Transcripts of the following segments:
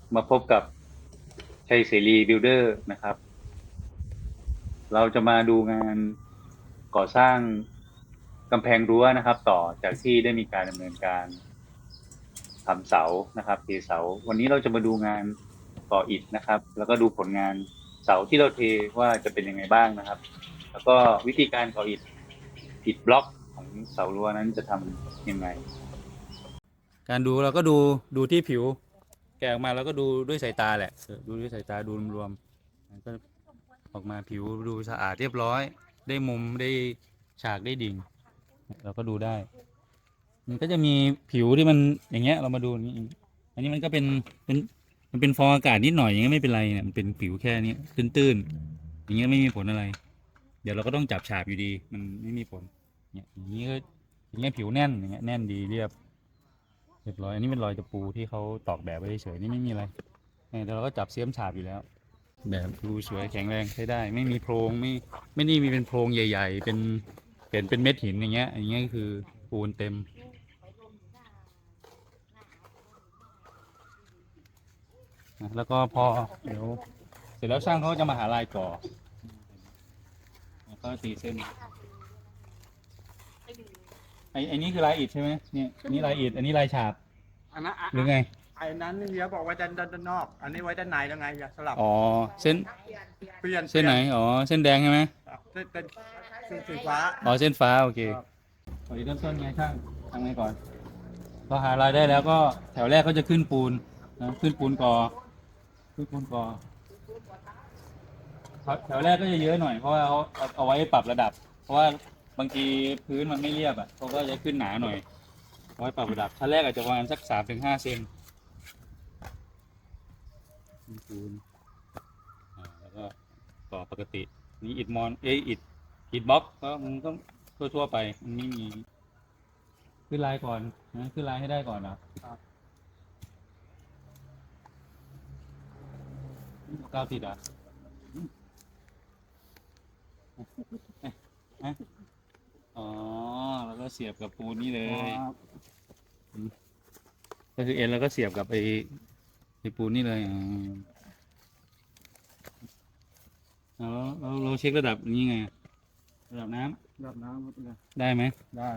มาพบกับชัยเสรีบิลเดอร์นะครับ เราจะมาดูงานก่อสร้างกำแพงรั้วนะครับ ต่อจากที่ได้มีการดำเนินการทำเสานะครับเทเสาวันนี้เราจะมาดูงานก่ออิฐนะครับ แล้วก็ดูผลงานเสาที่เราเทว่าจะเป็นยังไงบ้างนะครับ แล้วก็วิธีการก่ออิฐบล็อกของเสารั้วนั้นจะทำยังไง การดูเราก็ดูที่ผิวแกะออกมาแล้วก็ดูด้วยสายตาแหละดูด้วยสายตาดูรวมๆมันก็ออกมาผิวดูสะอาดเรียบร้อยได้มุมได้ฉากได้ดิ่งเราก็ดูได้มันก็จะมีผิวที่มันอย่างเงี้ยเรามาดูอย่างนี้อันนี้มันก็เป็นมันเป็นฟองอากาศนิดหน่อยอย่างเงี้ยไม่เป็นไรเนี่ยมันเป็นผิวแค่นี้ตื้นๆอย่างเงี้ยไม่มีผลอะไรเดี๋ยวเราก็ต้องจับฉาบอยู่ดีมันไม่มีผลเนี่ยอย่างนี้ก็อย่างเงี้ยผิวแน่นอย่างเงี้ยแน่นดีเรียบร้อยอันนี้เป็นรอยตะปูที่เขาตอกแบบไว้เฉยๆนี่ไม่มีอะไรแต่เราก็จับเสียมฉาบอยู่แล้วแบบดูสวยแข็งแรงใช้ได้ไม่มีโพรงไม่ได้มีเป็นโพรงใหญ่ๆเป็นเม็ดหินอย่างเงี้ยก็คือปูนเต็มนะแล้วก็พอเดี๋ยวเสร็จแล้วช่างเขาจะมาหาลายก่อแล้วก็ตีเส้นไอ้นี่คือลายอิฐใช่ไหมเนี่ยนี่ลายอิฐอันนี้ลายฉาบอันนั้นหรือไงไอ้นั้นนี่เดี๋ยวบอกไว้ด้านนอก อันนี้ไว้ด้านในแล้วไงอย่าสลับอ๋อเส้นเปลี่ยนเส้นไหนอ๋อเส้นแดงใช่ไหมเป็นสีฟ้าอ๋อเส้นฟ้าโอเคครับตอนนี้เริ่มต้นไงช่างทำไงก่อนเราหารายได้แล้วก็แถวแรกก็จะขึ้นปูนนะขึ้นปูนก่อขึ้นปูนก่อแถวแรกก็จะเยอะหน่อยเพราะว่าเขาเอาไว้ปรับระดับเพราะว่าบางทีพื้นมันไม่เรียบอ่ะเขาก็จะขึ้นหนาหน่อยเอาไว้ปรับระดับชั้นแรกอาจจะประมาณสัก3 ถึง 5 เซนปูนแล้วก็ต่อปกตินี่อิฐมอนอิฐบล็อกก็มันก็ทั่วๆไปมันไม่มีขึ้นลายก่อนนะขึ้นลายให้ได้ก่อนนะครับกาวติดอ่ะอ๋อแล้วก็เสียบกับปูนนี่เลยก็คือเอ็นแล้วก็เสียบกับไอ้ปูนนี่เลยแล้วเราเช็คระดับนี้ไงระดับน้แบบน้ำำได้ไหมได้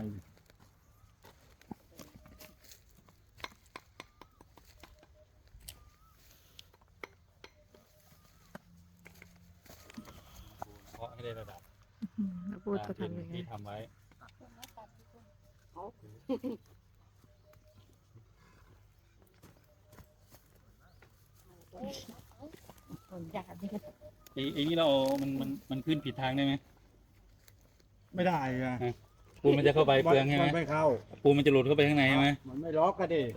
เพราะให้ได้ระดับแล้วพูดจะทำยังไงที่ทำไว้ไอ้นี่เรามันขึ้นผิดทางได้ไหมไม่ได้ไงปูนมันจะเข้าไปเปลืองใช่ไหมมันไม่เข้าปูนมันจะหลุดเข้าไปข้างในใช่ไหมมันไม่ล็อกก็ดิ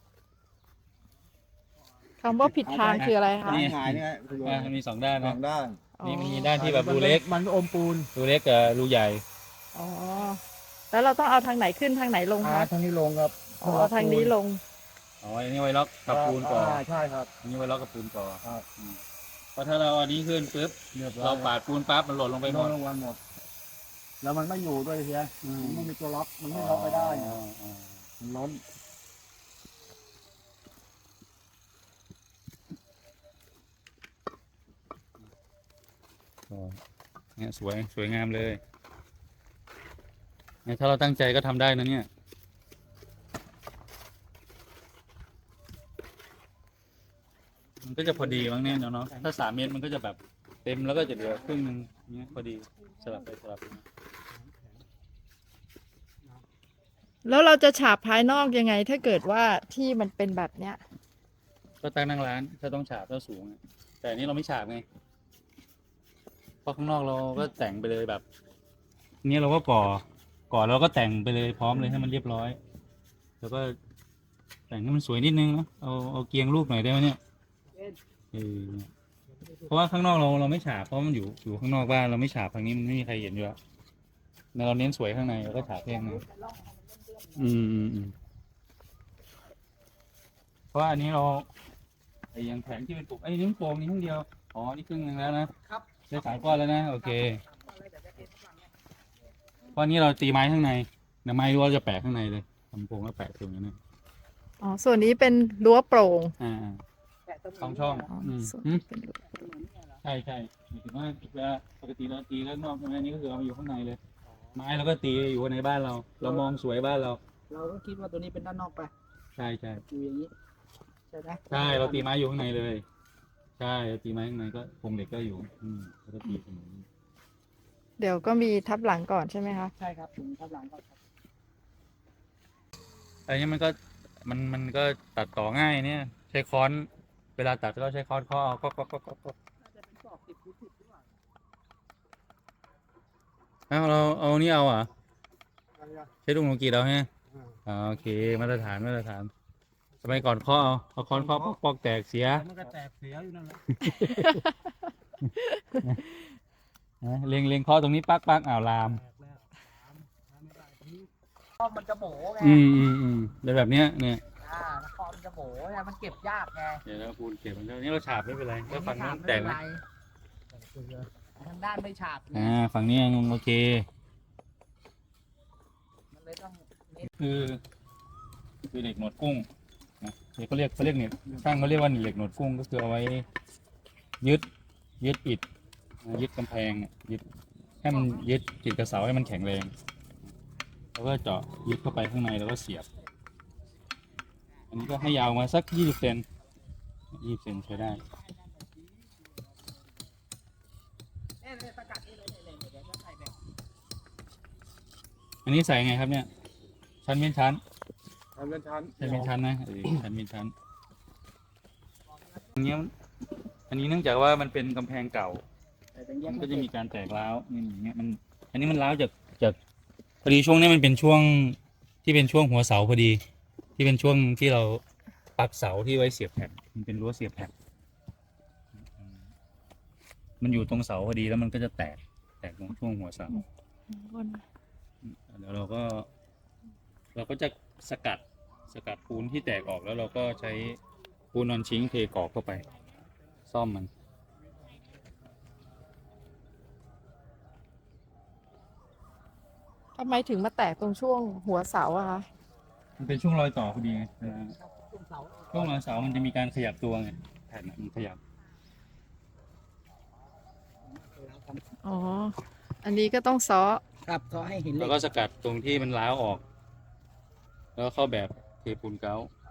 คำว่าผิดทางคืออะไรคะนี่หายเนี่ยมันมี2 ด้านสอนะงด้านนี่มันมีด้านที่แบบรูเล็กมันอมปูนรูเล็กกับรูใหญ่อ๋อ แล้วเราต้องเอาทางไหนขึ้นทางไหนลงคะทางนี้ลงครับอ๋อทางนี้ลงอ๋ออันนี้ไว้ล็อกกับปูนก่อนใช่ครับอันนี้ไว้ล็อกกับปูนก่อนครับเพราะถ้าเราอันนี้ขึ้นปุ๊บเราปาดปูนปั๊บมันหล่นลงไปหมดลงหมดแล้วมันไม่อยู่ด้วยเฮียมันไม่มีตัวล็อกมันไม่ล็อกไม่ได้มันล้นเนี่ยสวยงามเลยเนี่ยถ้าเราตั้งใจก็ทำได้นะเนี่ยมันก็จะพอดีมั้งเนี่ยเนาะถ้า3 เมตรมันก็จะแบบเต็มแล้วก็จะเหลือครึ่งนึงเนี้ยพอดีสลับไปสลับมาแล้วเราจะฉาบภายนอกยังไง ถ้าเกิดว่าที่มันเป็นแบบเนี้ยก็ตั้งนั่งร้านถ้าต้องฉาบถ้าสูงแต่อันนี้เราไม่ฉาบไงเพราะข้างนอกเราก็แต่งไปเลยแบบนี้เราก็ก่อเราก็แต่งไปเลยพร้อมเลยให้มันเรียบร้อยแล้วก็แต่งให้มันสวยนิดนึงเนาะเอาเกียงลูกหน่อยได้ไหมเนี่ยเพราะว่าข้างนอกเราไม่ฉาบเพราะมันอยู่ข้างนอกบ้านเราไม่ฉาบทางนี้มันไม่มีใครเห็นอยู่แล้วเราเน้นสวยข้างในเราก็ฉาบแค่นั้นเพราะอันนี้เราไอ้ยังแผงที่เป็นปลูกไอ้นิ้วโป่งนี่ครึ่งเดียวอ๋อนี่ครึ่งนึงแล้วนะครับได้3 ก้อนแล้วนะโอเคเพราะนี้เราตีไม้ข้างในไม้รั้วจะแปะข้างในเลยทำโป่งแล้วแปะตรงนี้นะอ๋อ ส่วนนี้เป็นรั้วโปร่งสองช่องอ๋ออืมส่วนอืมที่เป็นรูใช่ใช่หมายถึงว่าเวลาปกติเราตีแล้วนอกอันนี้ก็คือเอาอยู่ข้างในเลย ไม้เราก็ตีอยู่ในบ้านเรา เรามองสวยบ้านเราเราก็คิดว่าตัวนี้เป็นด้านนอกไปใช่ใช่อยู่อย่างนี้ใช่ไหมใช่เราตีไม้อยู่ข้างในเลย ใช่เราตีไม้ข้างในก็โครงเหล็กก็อยู่ แล้วก็ตีเสมอเดี๋ยวก็มีทับหลังก่อนใช่ไหมคะใช่ครับถึงทับหลังก็ครับอันนี้มันก็ตัดต่อง่ายเนี่ย ใช้ค้อน เวลาตัดก็ใช้ค้อนเคาะเอาก็น่าจะเป็นกรอบ10 x 10หรือเปล่าเอานี่เอาอ่ะอะไรอ่ะใช้ดุงโลกีเราใช่ไหมอ่าโอเคมาตรฐานสมัยก่อนเคาะเอาค้อนเคาะปอกแตกเสียมันก็แตกเสียอยู่นั่นแหละนะเล็งเคาะตรงนี้ปักลามแตกแล้วไม่ได้ทีนี้ข้อมันจะโบไงแล้วแบบเนี้ยเนี่ยแล้วคอมันจะโบไงมันเก็บยากไงเดี๋ยวเราปูนเก็บมันแล้วนี่เราฉาบไม่เป็นไรแล้วฝั่งนู้นแตกไหมทางด้านไม่ฉาบฝั่งนี้ยังโอเคมันเลยต้องเน้นคือเหล็กหนวดกุ้งนะเขาเรียกเนี่ยช่างเขาเรียกว่าเหล็กหนวดกุ้งก็คือเอาไว้ยึดอิฐยึดกำแพงยึดให้มันยึดจิตกระเสาให้มันแข็งแรงแล้วก็เจาะยึดเข้าไปข้างในแล้วก็เสียบ อันนี้ก็ให้ยาวมาสัก20 เซนใช้ได้สกัดนี่เลยเดี๋ยวจะใส่แบบอันนี้ใส่ไงครับเนี่ยชั้นเป็นชั้นทำเป็นชั้นชั้นเป็นชั้นนะชั้นเป็นชั้นอันนี้เนื่องจากว่ามันเป็นกำแพงเก่า มันก็จะมีการแตกร้าวนี่อย่างเงี้ยอันนี้มันร้าวจากพอดีช่วงนี้มันเป็นช่วงที่เป็นช่วงหัวเสาพอดี ที่เป็นช่วงที่เราปักเสาที่ไว้เสียบแผ่นมันเป็นรั้วเสียบแผ่นมันอยู่ตรงเสาพอดีแล้วมันก็จะแตกตรงช่วงหัวเสาแล้วเราก็จะสกัดปูนที่แตกออกแล้วเราก็ใช้ปูนนอนชิงเทกรอกเข้าไป ซ่อมมันทำไมถึงมาแตกตรงช่วงหัวเสาอะคะมันเป็นช่วงรอยต่อพอดีไงตุ้มเสาช่วงรอยเสามันจะมีการขยับตัวไงแผ่นมันขยับอ๋อ อันนี้ก็ต้องซ้อครับก็ให้เห็นเลแล้วยก็สกัดตรงที่มันร้าวออก แล้วก็เข้าแบบเทปูนเกาต์